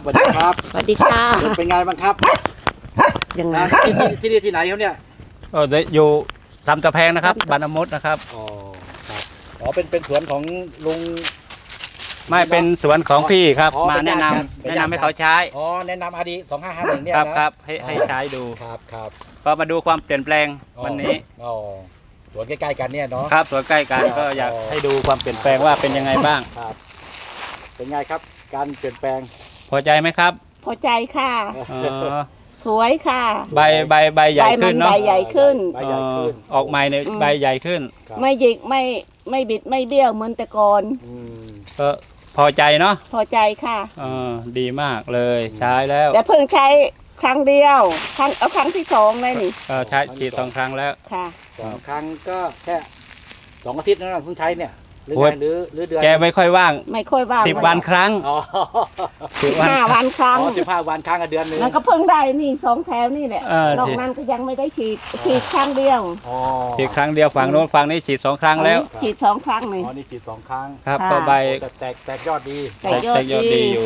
วัสดีครับสวัสดีค่ะเป็นไงบ้างครับยังไงที่นี่ที่ไหนครับเนี่ยอยู่สำตะแพงนะครับบานอมดนะครับอ๋อครับอ๋อเป็นสวนของลุงไม่เป็นสวนของพี่ครับมาแนะนำให้เขาใช้อ๋อแนะนำอาดี2551เนี่ยครับให้ใช้ดูครับก็มาดูความเปลี่ยนแปลงวันนี้อ๋อสวนใกล้ๆกันเนี่ยเนาะครับสวนใกล้กันก็อยากให้ดูความเปลี่ยนแปลงว่าเป็นยังไงบ้างครับเป็นไงครับการเปลี่ยนแปลงพอใจไหมครับพอใจค่ะสวยค่ะใบใหญ่ขึ้นเนาะใบใหญ่ขึ้นออกใหม่ในใบใหญ่ขึ้นไม่หยิกไม่บิดไม่เบี้ยวเหมือนแต่ก่อนก็พอใจเนาะพอใจค่ะดีมากเลยใช้แล้วแต่เพิ่งใช้ครั้งเดียวครั้งที่2เลยนี่ใช้ฉีด2 ครั้งแล้วค่ะ 2 ครั้งก็แค่2 อาทิตย์นั่นเพิ่งใช้เนี่ยหรือเดือนแกไม่ค่อยว่าง10 วันครั้ง 15 วันครั้ง 15 วันครั้งเดือนนึงมันก็เพิ่งได้นี่2 แถวนี่แหละนอกนั้นก็ยังไม่ได้ฉีดครั้งเดียวฉีดครั้งเดียวฝั่งโน้นฝั่งนี้ฉีด2 ครั้งแล้วฉีด2 ครั้งนี่นี่ฉีด2 ครั้งครับก็ใบแตกยอดดีแตกยอดดีอยู่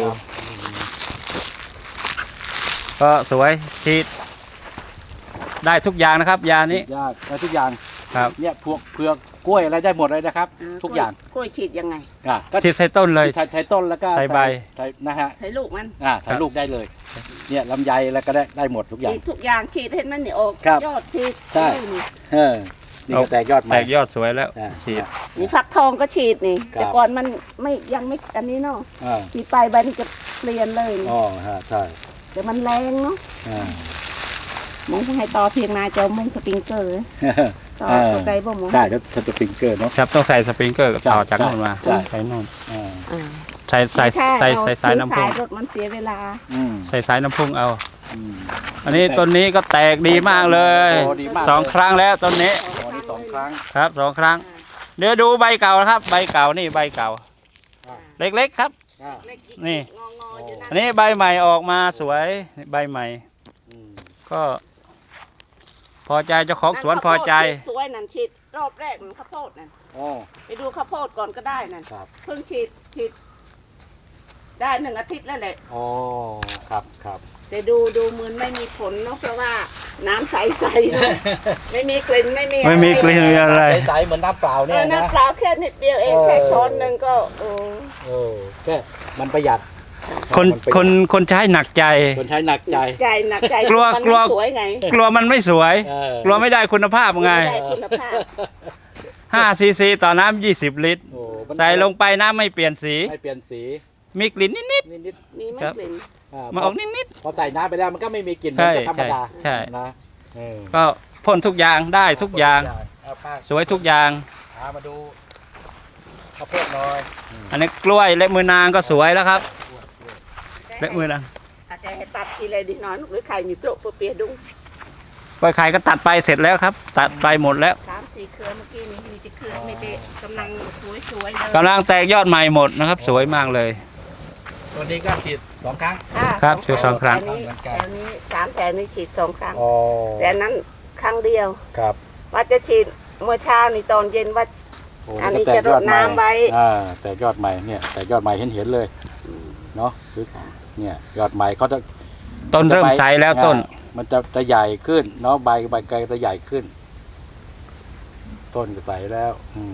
ก็สวยฉีดได้ทุกอย่างนะครับยานี้ได้ทุกอย่างครับเนี่ยพวกเผือกกล้วยอะไรได้หมดเลยนะครับทุกอย่างกล้วยฉีดยังไงก็ฉีดใส่ต้นเลยใส่ต้นแล้วก็ใส่ใบนะฮะใส่ลูกมันใส่ลูกได้เลยเนี่ยลำไยแล้วก็ได้หมดทุกอย่างทุกอย่างฉีดเห็นมันนี่ออกยอดฉีดใช่นี่ก็แตกยอดแตกยอดสวยแล้วฉีดนี่ฟักทองก็ฉีดนี่แต่ก่อนมันยังไม่อันนี้เนาะฉีดไปใบมันจะเปลี่ยนเลยอ๋อใช่แต่มันแรงเนาะมองให้ต่อเพียงนาจะมุ่งสปริงเกอร์ต่อไกลบ่มองใช่แล้วสปริงเกอร์เนาะครับต้องใส่สปริงเกอร์ต่อจากโน่นมาใส่โน่นใส่สายน้ำพุ่งรถมันเสียเวลาใส่สายน้ำพุ่งเอาอันนี้ต้นนี้ก็แตกดีมากเลย2 ครั้งแล้วต้นนี้ 2 ครั้งครับ2 ครั้งเดี๋ยวดูใบเก่าครับใบเก่านี่ใบเก่าเล็กๆครับนี่อันนี้ใบใหม่ออกมาสวยใบใหม่ก็พอใจเจ้าของสวนพอใจสวยนั่นฉีดรอบแรกมันข้าวโพดนั่นไปดูข้าวโพดก่อนก็ได้นั่นเพิ่งฉีดได้1 อาทิตย์แล้วแหละอ๋อครับแต่ดูเหมือนไม่มีผลเนาะเพราะว่าน้ำใสๆไม่มีกลิ่นไม่มีกลิ่นอะไรใสเหมือนน้ำเปล่าเนี่ยนะน้ำเปล่าแค่นิดเดียวเองแค่ช้อนนึงก็แค่มันประหยัดคนใช้หนักใจคนใช้หนักใจกลัวสวยไงกลัวมันไม่สวยกลัวไม่ได้คุณภาพไง5 cc ต่อน้ำ20 ลิตรใส่ลงไปน้ำไม่เปลี่ยนสีมีกลิ่นนิดมีไม่กลิ่นมาออกนิดพอใส่น้ำไปแล้วมันก็ไม่มีกลิ่นเหมือนธรรมดาใช่นะก็พ่นทุกอย่างได้ทุกอย่างสวยทุกอย่างมาดูข้าวโพดหน่อยอันนี้กล้วยเล็บมือนางก็สวยแล้วครับเล็บมือนางอาจจะให้ตัดทีเลยดีน้อยหรือไข่มีโปรเปียดุ้งกล้วยไข่ก็ตัดไปเสร็จแล้วครับตัดไปหมดแล้ว 3-4 เครือเมื่อกี้นี้มีแต่เครือไม่เป๊ะกำลังสวยเลยกำลังแตกยอดใหม่หมดนะครับสวยมากเลยตัวนี้ก็ฉีด2 ครั้งครับฉีด2 ครั้งแถวนี้3 แถวนี้ฉีด2 ครั้งแต่นั้นครั้งเดียวครับว่าจะฉีดเมื่อเช้านี่ตอนเย็นว่าอันนี้จะรดน้ำไว้แต่ยอดใหม่เนี่ยแต่ยอดใหม่เห็นเลยเนาะเนี่ยยอดใหม่เขาจะต้นเริ่มใสแล้วต้นมันจะใหญ่ขึ้นเนาะใบไกลจะใหญ่ขึ้นต้นก็ใสแล้ว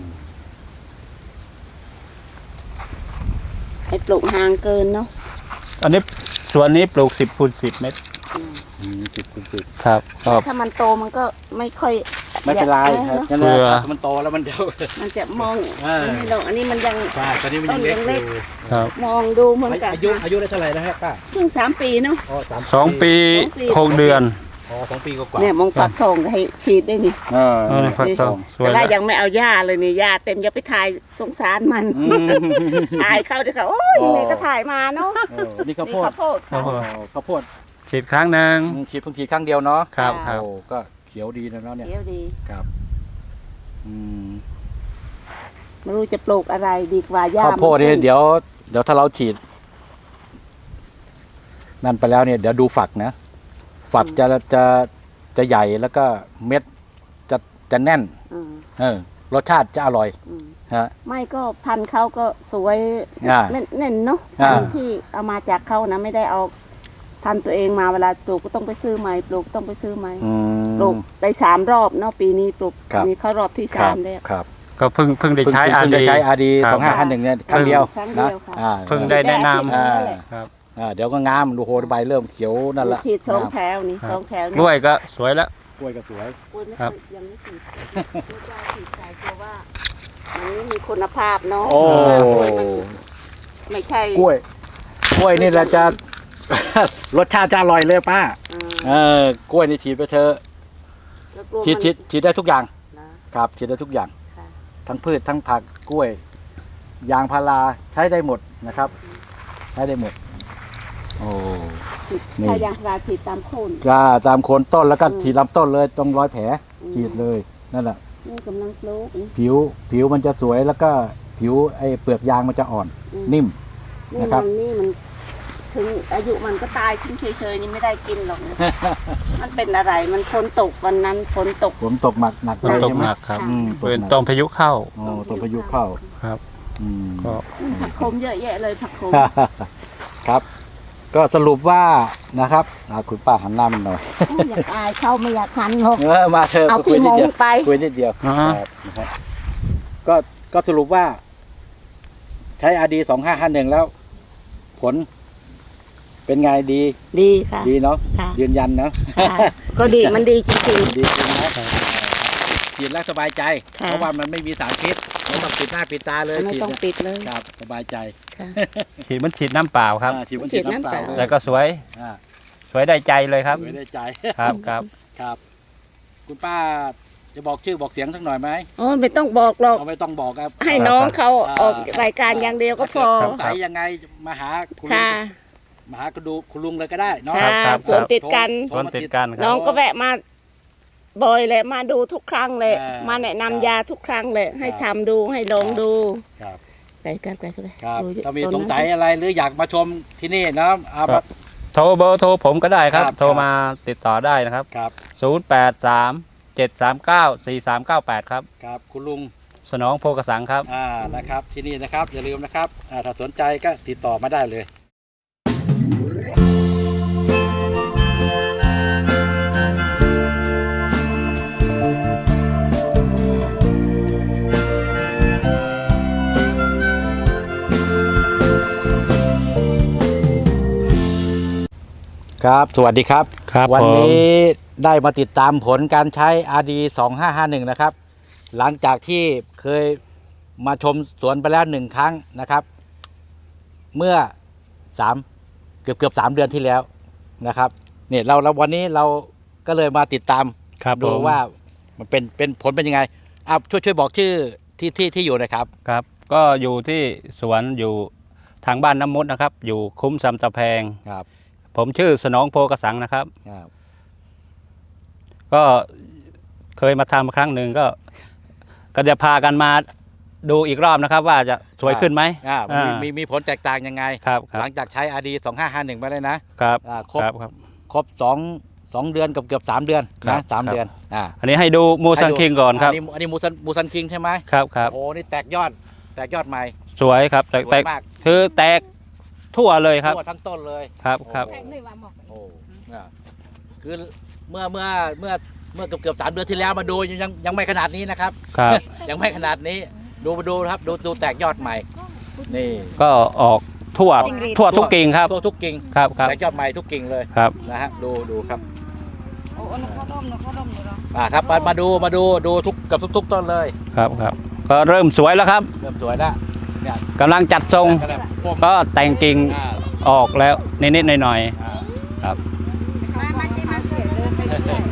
ให้ปลูกห่างเกินเนาะอันนี้สวนนี้ปลูก10 คูณ 10 เมตร 10 คูณ 10 ครับถ้ามันโตมันก็ไม่ค่อยไม่เป็นไรครับเพื่อมันโตแล้วมันจะมองอันนี้มันยังตอนนี้มันยังเล็กครับมองดูเหมือนกันอายุได้เท่าไหร่แล้วป้าเพิ่ง3 ปีเนาะ 2 ปี 6 เดือน 2 ปีกว่าเนี่ยมองฟักทองให้ฉีดได้นี่ฟักทองสวยแต่ยังไม่เอาหญ้าเลยนี่หญ้าเต็มอย่าไปถ่ายสงสารมันถ่ายเข้าเดี๋ยวเขาโอ้ยนี่ก็ถ่ายมาเนาะนี่ข้าวโพดฉีดครั้งนึงเพิ่งฉีดครั้งเดียวเนาะครับก็เขียวดีนะเนี่ยเขียวดีครับไม่รู้จะปลูกอะไรดีกว่าหญ้าข้าวโพดเนี่ยเดี๋ยวถ้าเราฉีดนั่นไปแล้วเนี่ยเดี๋ยวดูฝักนะฝักจะใหญ่แล้วก็เม็ดจะแน่นรสชาติจะอร่อยอืมฮะไม่ก็พันธุ์เขาก็สวยอ่าเน่นๆเนาะอ่าพันธุ์ที่เอามาจากเขานะไม่ได้เอาพันธุ์ตัวเองมาเวลาปลูกก็ต้องไปซื้อใหม่ปลูกต้องไปซื้อใหม่อืมปลูกได้3 รอบเนาะปีนี้ปลูกครับนี่เขารอบที่ครับ 3แล้วครับก็เพิ่งได้ใช้อาเพิ่งดีจะใช้อาดีครับ 2551เนี่ยครั้งเดียวครั้งเดีนะยวค่ะอ่าเพิ่งได้แนะนำอ่าครับเดี๋ยวก็งามดูโหใบเริ่มเขียวนั่นแหละฉีด2 งามแถวนี่ครับ 2 แถวกล้วยก็สวยแล้วกล้วยก็สวยกล้วยไม่ครับยังไม่ฉีดไม่กล้าฉีดใจกลัวว่ามันไม่มีคุณภาพเนาะโอ้กล้วยมันไม่ใช่กล้วยนี่เราจะ รสชาติจะอร่อยเลยป้า กล้วยนี่ฉีดไปเถอะแล้วกลัวฉีดมันฉีดได้ทุกอย่างนะครับฉีดได้ทุกอย่างค่ะทั้งพืชทั้งผักกล้วย ยางพาราใช้ได้หมดนะครับ ใช้ได้หมด โอ้ฉีดนี่ถ้ายางพาราฉีดตามโคนก็ตามโคนต้นแล้วก็อืมฉีดลำต้นเลยตรงรอยแผลฉีดเลยนั่นแหละนี่กำลังปลูกนี่ผิวมันจะสวยแล้วก็ผิวไอ้เปลือกยางมันจะอ่อน นิ่มนี่นะครับมันถึงอายุมันก็ตายทิ้งเฉยๆนี่ไม่ได้กินหรอกนะมันเป็นอะไรมันฝนตกวันนั้นฝนตกฝนตกหนักฝนตกใช่ไหมหนักครับอืมเป็นต้นพายุเข้าโอ้ต้นพายุเข้าครับอืมก็ผักโขมเยอะแยะเลยผักโขมครับ ก็สรุปว่านะครับคุณป้าหันหน้ามันหน่อยอยากอายเขาไม่อยากหันหรอกมาเถอะเอาคุยพี่นิมดงเดียวไปคุยนิดเดียวอ่าครับนะครับก็สรุปว่า ใช้อาดี2551แล้ว ผล เป็นไงดีดีค่ะดีเนาะค่ะยืนยันเนาะก็ดีมันดีจริงดีจริงนะฉีดแล้วสบายใจค่ะเพราะว่ามันไม่มีสารพิษไม่ต้องปิดหน้าปิดตาเลยๆไม่ฉีดต้องเนี่ยปิดเลยครับสบายใจค่ะฉีดมันฉีดน้ำเปล่าครับฉีดมันฉีฉีดดน้ำเปล่าน้ำเปล่าเลยแต่ก็สวยอ่าสวยได้ใจเลยครับไว้ได้ใจครับครับครับ คุณป้าจะบอกชื่อบอกเสียงสักหน่อยไหมโอ้ไม่ต้องบอกหรอกเอาไม่ต้องบอกครับให้น้องเขาออกรายการอย่างเดียวก็พอสงสัยยังไงมาหาคุณลุค่ะงมาหาคุณลุงเลยก็ได้เนาะค่ะครับสวนติดกันโทต้รนมาติดกันคน้รัอบ งก็แวะมาบ่อยเลยมาดูทุกครั้งเลย มาแนะนำยาทุกครั้งเลย ให้ทำดูให้ลองดูครับไก่กันไก่กันครับดูถ้ามีต้นสงสัยอะไรหรืออยากมาชมที่นี่เนาะเอาครัมาบ โทรเบอร์โทรผมก็ได้ครับครับโทรมาติดต่อได้นะครับครับ 0837394398 ครับครับคุณลุงสนองโพกสังครับนะครับที่นี่นะครับอย่าลืมนะครับถ้าสนใจก็ติดต่อมาได้เลย ครับ สวัสดีครับครับวันผมนี้ได้มาติดตามผลการใช้ RD 2551นะครับ หลังจากที่เคยมาชมสวนไปแล้ว1 ครั้งนะครับ เมื่อเกือบ3 เดือนที่แล้วนะครับเนี่ยเราวันนี้เราก็เลยมาติดตามครับดูผมว่ามันเป็นผลเป็นยังไงช่วยบอกชื่อที่อยู่หนะครับครับ ก็อยู่ที่สวนอยู่ทางบ้านน้ำมุดนะครับ อยู่คุ้มซำตะแพงครับผมชื่อสนองโพกสังนะครับครับก็เคยมาทำครั้งหนึ่งก็จะพากันมาดูอีกรอบนะครับ ว่าจะสวยขึ้นไหมมีผลแตกต่างยังไงครับคหลัรับงจากใช้ RD 2551ไปเลยนะครับ ครบครับครบ2 เดือนกับเกือบ3 เดือนครันะบ 3 เดือนอันนี้ให้ดูมูซันคิงก่อนครับอันนี้มูซันคิงใช่ไหมครับครับโอ้นี่แตกยอดใหม่สวยครับสแตวยกมากคือแตกทั่วเลยครับทั่วทั้งต้นเลยครับครับโอ้เนี่ยคือเมื่อเกือบ3 เดือนที่แล้วมาดูยังไม่ขนาดนี้นะครับครับยังไม่ขนาดนี้ดูครับดูแตกยอดใหม่ นี่ก็ออกทั่วทุกกิ่งครับทั่วทุกกิ่งครับครับแตกยอดใหม่ทุกกิ่งเลยครับนะฮะดูครับโอ้นเขาดมเนาะครับมาดูทุกกับทุกต้นเลยครับครับก็เริ่มสวยแล้วครับเริ่มสวยแล้วเนี่ยกำลังจัดทรงก็แบบพวกก็แต่งกิ่งอ่าออกแล้วนิดๆหน่อยอ่ามาเจ๊มาเดินไปเรื่อย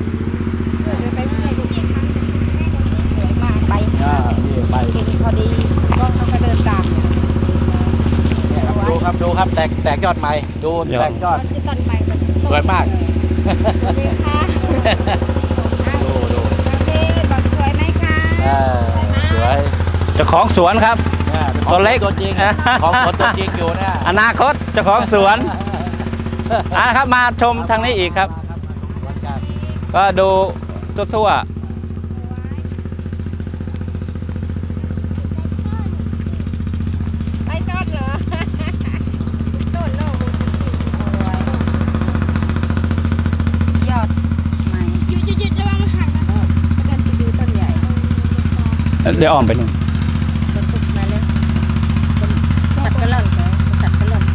นี่ไปพอดีก็เขาก็เดินตามเนี่ยครับดูครับแตกยอดใหม่ดูแตกยอดต้นใหม่สวยมากสวัสดีค่ะดูบอกสวยไหมคะสวยๆเจ้าของสวนครับเนี่ยตัวเล็กตัวจริงของคนตัวจริงอยู่เนี่ยอนาคตเจ้าของสวนครับมาชมทางนี้อีกครับวันกันก็ดูทั่วเดี๋ยวอ้อมไปนู่นมาเลยสัตว์กระหล่อนเหรอสัตว์กระหล่อน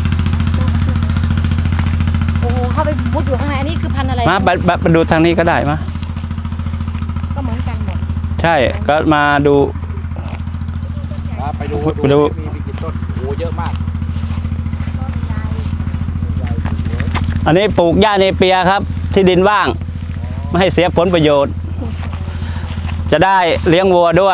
โอ้โหเข้าไปมุดอยู่ข้างในอันนี้คือพันธุ์อะไรมาดูทางนี้ก็ได้มาก็เหมือนกันหมดใช่ก็มาดูไปดูไปดูมีกี่ต้นโอ้เยอะมากอันนี้ปลูกหญ้าเนเปียครับที่ดินว่างไม่ให้เสียผลประโยชน์ จะได้เลี้ยงวัวด้วย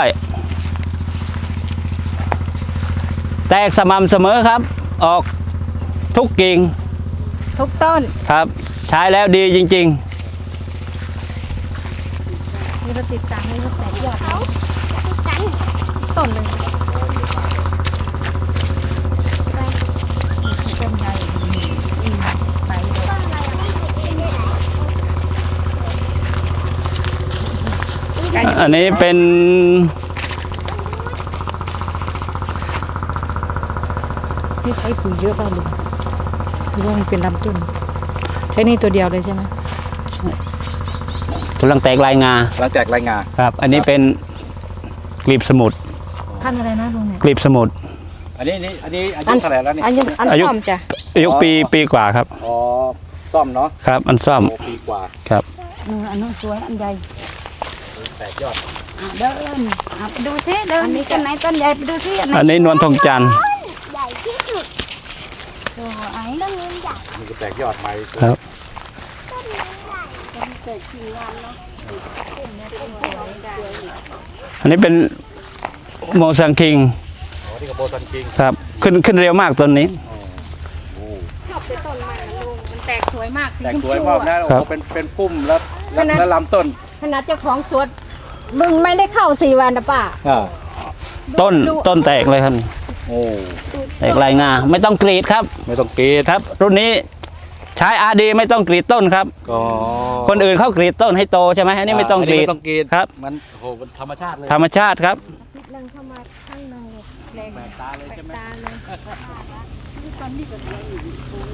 แตกสม่ำเสมอครับ ออกทุกกิ่งทุกต้นครับ ใช้แล้วดีจริงมีเราติดตามนี่เราแตกยอดต้นเลยต้นใหญ่ไปเลยๆ อันนี้เป็นนี่ใช้ปุ๋ยเยอะเปล่าลุงหรือว่ามันเป็นลำต้นใช้นี่ตัวเดียวเลยใช่ไหมกำลังแตกลายงาหลังจากรายงานครับ อันนี้เป็นกลีบสมุดพันธุ์อะไรนะลุงเนี่ยกลีบสมุดอันนี้อายุเท่าไหร่แล้วนี่อันอายุซ่อมจ้ะอายุปีกว่าครับอ๋อซ่อมเนาะครับ อันซ่อมโอ้ปีกว่าครับอันนู้นสวยอันใหญ่แตกยอดเดินไปดูซิเดินต้นไหนต้นใหญ่ไปดูซิอันนี้นวลทองจันทร์สวยต้นนี้ใหญ่มันก็แตกยอดใหม่ครับ อันนี้เป็นโมซังคิงอ๋อที่กับโบซันคิงครับ ขึ้นเร็วมากต้นนี้โอ้ชอบเป็นต้นมันลุงมันแตกสวยมากสีแตกชมสพูวยมากนะครัโอ้บเป็นพุ่มแล้วลำต้นขนาดเจ้าของสวนมึงไม่ได้เข้า4 วันนะป้าต้นแตกเลยครับโอ้แตกลายงาไม่ต้องกรีดครับไม่ต้องกรีดครับ รุ่นนี้ใช้อาดีไม่ต้องกรีดต้นครับก็คนอื่นเขากรีดต้นให้โตใช่ไหมอันนี้ไม่ต้องกรีดไม่ต้องกรีดครับมันโอ้โหมันธรรมชาติเลยธรรมชาติครับนั่งเข้ามาข้างในแรงแปลกตาเลยใช่ไหมตาเลยนี่ตอนนี้ก็สวยอยู่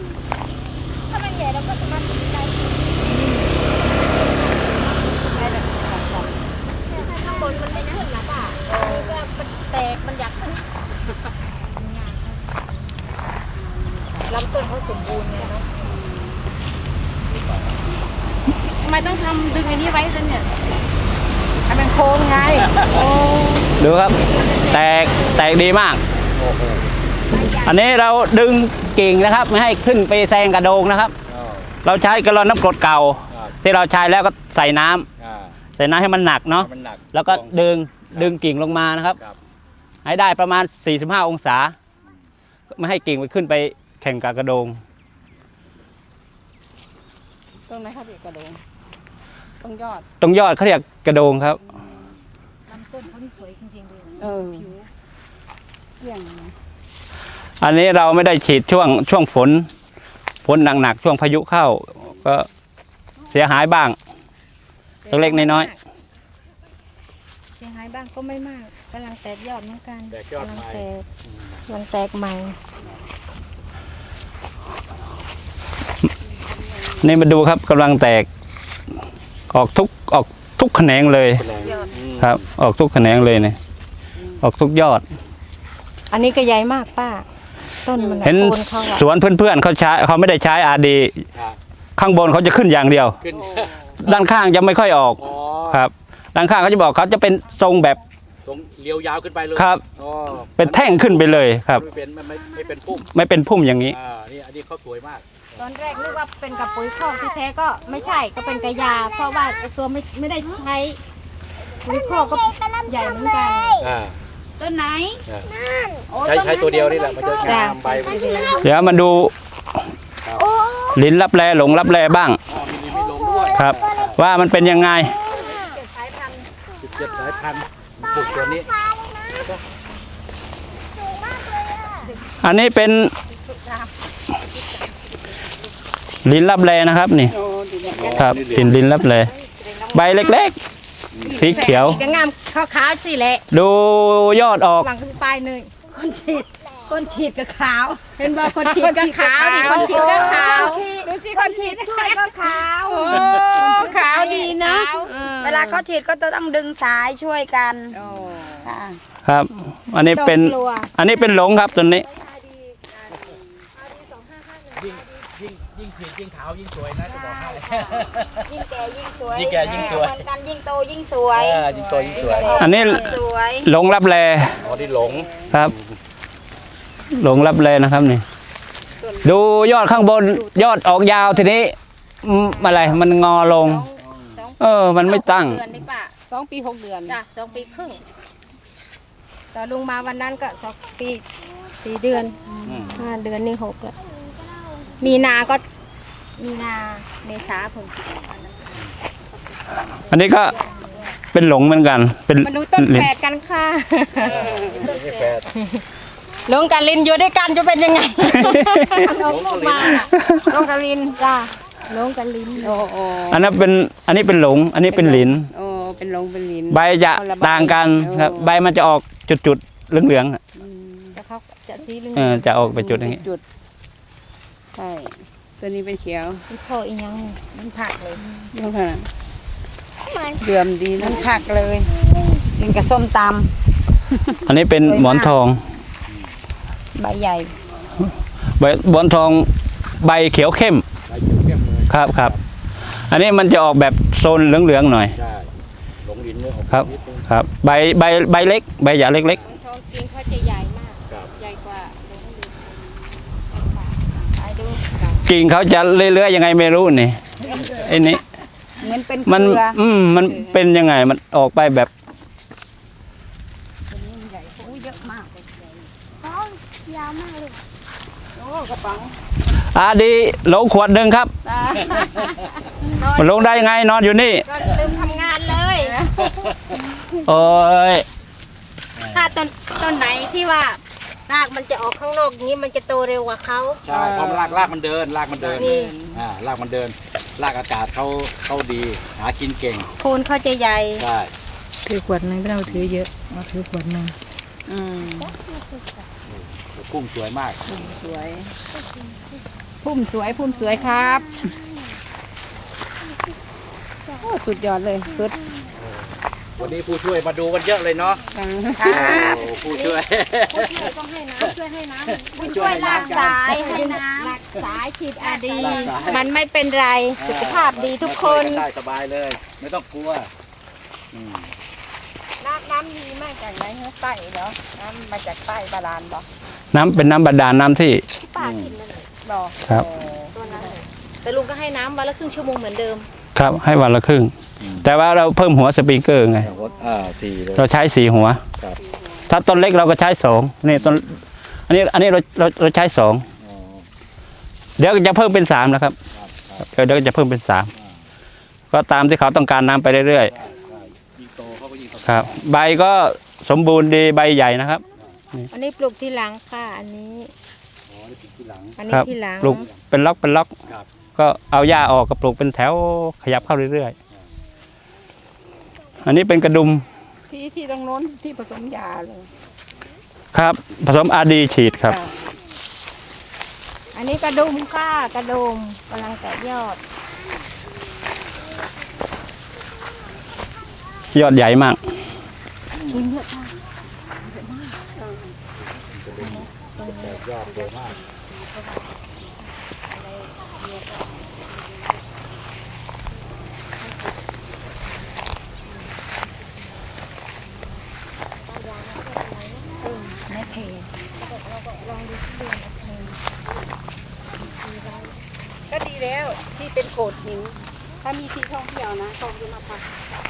ข้างบนมันไม่ขึ้นนะป้าก็มันแตกมันอยากขึ้นลำต้นเขาสมบูรณ์ไงเนาะทำไมต้องทำดึงไอ้นี้ไว้ด้วยเนี่ยทำเป็นโคนไงโอ้ดูครับ แตกดีมากโอ้โหอันนี้เราดึงกิ่งนะครับ ไม่ให้ขึ้นไปแซงกระโดงนะครับอ้าวเราใช้กระลอนน้ำกรดเก่าครับที่เราใช้แล้วก็ใส่น้ำอ่าใส่น้ำให้มันหนักเนาะมันหนักแล้วก็ดึงกิ่งลงมานะครับครับให้ได้ประมาณ 45 องศา ไม่ให้กิ่งไปขึ้นไปแข่งกับกระโดงตรงไหนครับพี่กระโดงตรงยอดตรงยอดเขาเรียกกระโดงครับลำต้นเขาที่สวยจริงๆเลยผิวเยี่ยงอันนี้เราไม่ได้ฉีดช่วงฝนหนักๆช่วงพายุเข้า ก็เสียหายบ้าง ตัวเล็กน้อยเสียหายบ้างก็ไม่มากกำลังแตกยอดเหมือนกันแตกยอดกำลังใหม่แตกกำลังแตกใหม่นี่มาดูครับกำลังแตก ออกทุกแขนงเลย ครับ ออกทุกแขนงเลยเนี่ยออกทุกยอดอันนี้ก็ใหญ่มากป้า ต้นมันอะเห็นโคนเขาอะสวนเพื่อนๆเขาไม่ได้ใช้อาดีครับข้างบนเขาจะขึ้นอย่างเดียวขึ้นด้านข้างจะไม่ค่อยออกอ๋อครับ ด้านข้างเขาจะบอกเขาจะเป็นทรงแบบตรงเลี้ยวยาวขึ้นไปเลยครับอ๋อเป็นแท่งขึ้นไปเลยครับไม่เป็นพุ่มไม่เป็นพุ่มอย่างนี้นี่อันนี้เขาสวยมากตอนแรกนึกว่าเป็นกับปุ๋ยคอกที่แท้ก็ไม่ใช่ก็เป็นกระยา เพราะว่าไอ้ตัวไม่ได้ใช้ปุ๋ยคอกก็ใหญ่เหมือนกันอ่าต้นไหนใช้ตัวเดียวนี่แหละมันจะงามใบมันจะเดี๋ยวมาดูลิ้นรับแลหลงรับแลบ้างมีลงด้วยครับ ว่ามันเป็นยังไงสายพันธุ์ 17 สายพันธุ์ปลูกตัวนี้อันนี้เป็นลิ้นรับแลนะครับนี่ ครับกินลิ้นรับแลใบเล็กๆ สีเขียวก็งามขาวๆสิแหละดูยอดออกหลังขึ้นปลายหนึ่งคนฉีดคนฉีดกับขาวเป็นบอกคนฉีดก็ขาวนี่คนฉีดก็ขาวดูสิคนฉีดช่วยก็ขาวขาวดีเนาะเวลาเขาฉีดก็ต้องดึงสายช่วยกันค่ะครับ อันนี้เป็น อันนี้เป็นหลงครับตัวนี้ยิ่งฉีดยิ่งขาวยิ่งสวยนะจะบอกให้ยิ่งแก่ยิ่งสวยยิ่งแก่ยิ่งสวยเหมือนกันยิ่งโตยิ่งสวยยิ่งโตยิ่งสวยอันนี้สวยหลงรับแลอ๋อที่หลงครับ หลงรับแลนะครับนี่ ดูยอดข้างบนยอดออกยาวทีนี้อะไรมันงอลง มันไม่ตั้งเดือนนี่ป่ะ 2 ปี 6 เดือนจ้ะ2 ปีครึ่งตอนลุงมาวันนั้นก็2 ปี 4 เดือน 5 เดือนนี่6แล้วมีนาก็มีนาเมษาผมอันนี้ก็เป็นหลงเหมือนกัน เป็นมาดูต้นแฝดกันค่ะลงกับลินอยู่ด้วยกันจะเป็นยังไงลงมาลงกับลินจ้ะลงกับลินโอ้โอ้อันนี้เป็นหลง อันนี้เป็นหลินโอ้เป็นลงเป็นลิ้นใบจะต่างกันครับ ใบมันจะออกจุดๆเหลืองๆอะแต่เขาจะสีเหลืองจะออกไปจุดอย่างนี้จุดใช่ตัวนี้เป็นเขียวมีพ่ออีกยังมันผักเลยดูค่ะเดือมดีนะมันผักเลยกินกับส้มตอันนี้เป็นหมอนทองำใบใหญ่ใบหมอนทองใบเขียวเข้มใบเขียวเข้มเลยครับครับ อันนี้มันจะออกแบบโซนเหลืองๆหน่อยใช่หลงลิ้นเนี่ยออกครับนิดนึงครับ ใบเล็ก ใบหยาเล็กทองกินเขาจะใหญ่มากครับใหญ่กว่าไปดูๆกิ่งเขาจะเลื้อยๆยังไงไม่รู้นี่ไอ้นี่เหมือนเป็นมันเกลือมันเป็นยังไงมันออกไปแบบอู้เยอะมากดีโหลขวดหนึ่งครับมันลงได้ยังไงนอนอยู่นี่ก็ลืมทำงานเลยโอ้ยถ้าต้นไหนที่ว่ารากมันจะออกข้างนอกอย่างนี้มันจะโตเร็วกว่าเขาใช่เพราะมันลากมันเดินรากมันเดินนี่รากมันเดินรากอากาศเขาดี หากินเก่งโคนเขาจะใหญ่ใช่ถือขวดนึงไม่ต้องถือเยอะมาถือขวดนึงกุ้งสวยมากสวยพุ่มสวยครับโอ้สุดยอดเลยสุดวันนี้ผู้ช่วยมาดูกันเยอะเลยเนาะจังโอ้ผู้ช่วยต้องให้น้ำช่วยให้น้ำช่วยลากสายให้น้หลักสายฉีดอาดี มันไม่เป็นไรสุขภาพดีทุกคนได้สบายเลย ไม่ต้องกลัวอืมน้ำดีมากจากไหนฮะใต้เหรอน้ำมาจากใต้บาดาลบ่น้ำเป็นน้ำบาดาลน้ำที่ป้ากินนั่นแหละบ่ครับตัวนั้นเลยแต่ลุงก็ให้น้ำวันละครึ่งชั่วโมงเหมือนเดิมครับให้วันละครึ่ง แต่ว่าเราเพิ่มหัวสปริงเกอร์ไงสี่เลยเราใช้4 หัวครับถ้าต้นเล็กเราก็ใช้2นี่ต้นอันนี้เราใช้2 อ๋อเดี๋ยวจะเพิ่มเป็น3แล้วครับเดี๋ยวจะเพิ่มเป็น3ก็ตามที่เขาต้องการน้ำไปเรื่อยยิ่งโตเขาก็ยิ่งสบายๆครับ ใบก็สมบูรณ์ดีใบใหญ่นะครับอันนี้ปลูกที่หลังค่ะอันนี้อ๋อนี่ติดที่หลังอันนี้ครับที่หลังปลูกเป็นล็อกครับก็เอาหญ้าออกก็ปลูกเป็นแถวขยับเข้าเรื่อยๆอันนี้เป็นกระดุมที่ตรงโน้นที่ผสมยาเลยครับ ผสมอาดีฉีดครับอันนี้กระดุมค่ะกระดุมกำลังแตกยอดยอดใหญ่มากยอดโตมากำไม่เทก็ดีแล้วที่เป็นโขดหินถ้ามีที่ท่องเที่ยวนะเขาจะมาพัก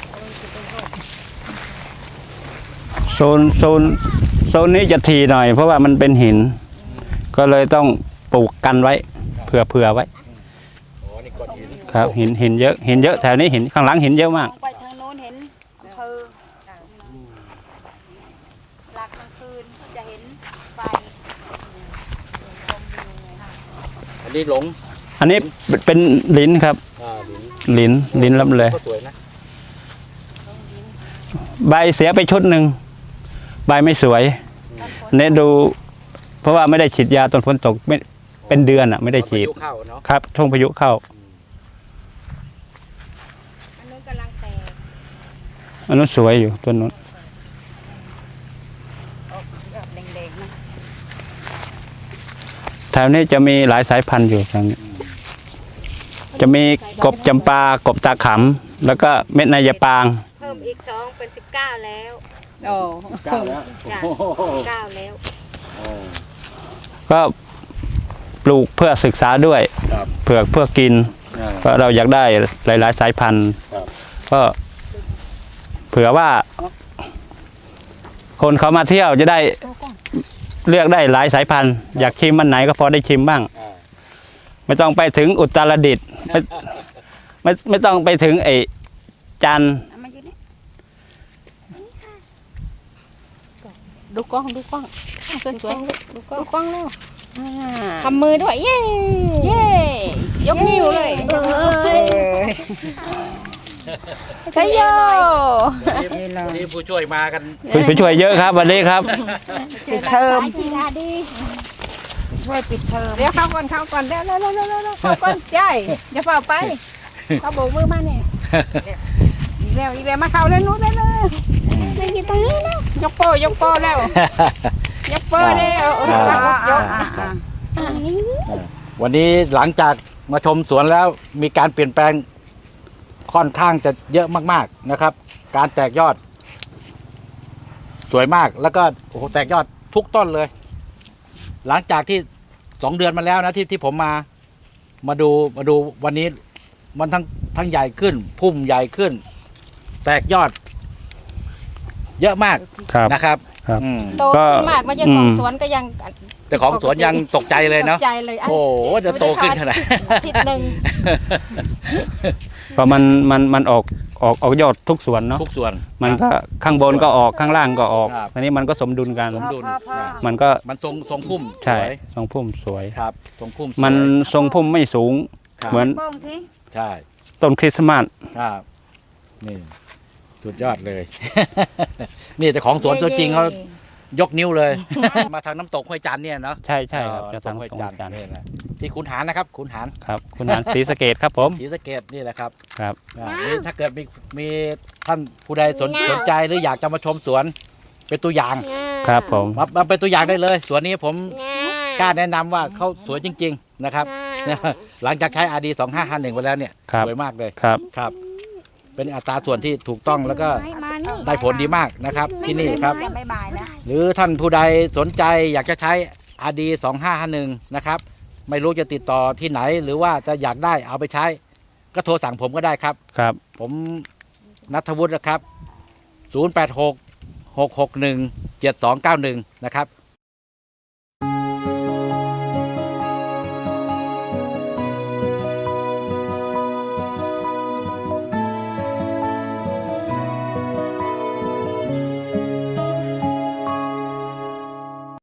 โซนนี้จะทีหน่อย เพราะว่ามันเป็นหิน ก็เลยต้องปลูกกันไว้เผื่อไว้อ๋อนี่ก้อนหินครับหินเยอะแถวนี้หินข้างหลังหินเยอะมากมองไปทางโน้นเห็นอำเภอหลักกลางคืนจะเห็นไฟอันนี้หลงอันนี้เป็นลิ้นครับลิ้นลิ้นรับเลยก็สวยนะใบเสียไปชุดหนึ่งใบไม่สวยเนี่ยดูเพราะว่าไม่ได้ฉีดยาตอนฝนตกไม่เป็นเดือนอ่ะไม่ได้ฉีดพายุเข้าเนาะครับช่วงพายุเข้าอันนู้นกำลังแตกอันนู้นสวยอยู่ต้นนู้นแดงๆนะแถวนี้จะมีหลายสายพันธุ์อยู่ทางนี้จะมีกบจำปากบตาขำแล้วก็เม็ดนายปางเพิ่มอีก2เป็น19แล้วโอ้เก้าแล้วจ้ะ19แล้วก็ปลูกเพื่อศึกษาด้วยครับเพื่อกินเพราะเราอยากได้หลายๆสายพันธุ์ครับก็เผื่อว่า คนเขามาเที่ยวจะได้เลือกได้หลายสายพันธุ์อยากชิมมันไหนก็พอได้ชิมบ้าง ไม่ต้องไปถึงอุตรดิตถ์ไม่ต้องไปถึงไอ้จันทร์เอามาอยู่นี่ดูกล้องสวยๆดูกล้องแล้วทำมือด้วยเย้เย้ยกนิ้วเลยใช่โยวันนี้ผู้ช่วยมากันผู้ช่วยเยอะครับวันนี้ครับปิดเทอมช่วยปิดเทอมเดี๋ยวเข้าก่อนเข้าก่อนใช่อย่าเฝ้าไปเขาโบกมือมาเนี่ยอีกแล้วมาเข้าแล้วนู้นแล้วจะอยู่ตรงนี้นะยกโป้แล้วยกโป้แล้ววันนี้หลังจากมาชมสวนแล้วมีการเปลี่ยนแปลงค่อนข้างจะเยอะมากๆนะครับ การแตกยอด สวยมากแล้วก็โอ้โหแตกยอดทุกต้นเลย หลังจากที่2 เดือนมาแล้วนะที่ผมมาดูวันนี้มันทั้งใหญ่ขึ้น พุ่มใหญ่ขึ้น แตกยอด เยอะมากครับนะครับครับอืมโตขึ้นมากมายังของสวนก็ยังแต่ของสวนยังตกใจเลยเนาะตกใจเลยอันโอ้โหจะโตขึ้นขนาดอาทิตย์หนึ่งก็มันออกยอดทุกส่วนเนาะทุกส่วนมันก็ข้างบนก็ออกข้างล่างก็ออกครับอันนี้มันก็สมดุลกันสมดุลพ่อมันก็มันทรงพุ่มใช่สวยทรงพุ่มสวยครับทรงพุ่มสวยมันทรงพุ่มไม่สูงครับเหมือนโป้งสิใช่ต้นคริสต์มาสครับนี่สุดยอดเลย นี่แต่ของสวนตัวจริงเขายกนิ้วเลย มาทางน้ำตกห้วยจันทร์เนี่ยเนาะใช่ครับจะน้ำตกทำห้วยตรงจันทร์กันนี่แหละที่ขุนหารนะครับขุนหารครับ คุณหานศรีสะเกดครับผมศรีสะเกษนี่แหละครับครับนี่ถ้าเกิดมีท่านผู้ใดสนใจหรืออยากจะมาชมสวน เป็นตัวอย่างครับผมมาเป็นตัวอย่างได้เลยสวนนี้ผมกล้าแนะนำว่าเขาสวยจริง ๆนะครับ หลังจากใช้ RD 2551ไปแล้วเนี่ยครับสวยมากเลยครับครับ เป็นอัตราส่วนที่ถูกต้องแล้วก็มานี่ได้ผลดีมากนะครับ ที่นี่ครับบ๊ายบายแล้วหรือท่านผู้ใดสนใจอยากจะใช้ RD 2551นะครับ ไม่รู้จะติดต่อที่ไหนหรือว่าจะอยากได้เอาไปใช้ ก็โทรสั่งผมก็ได้ครับครับผมณัฐวุฒินะครับ 086 661 7291 นะครับ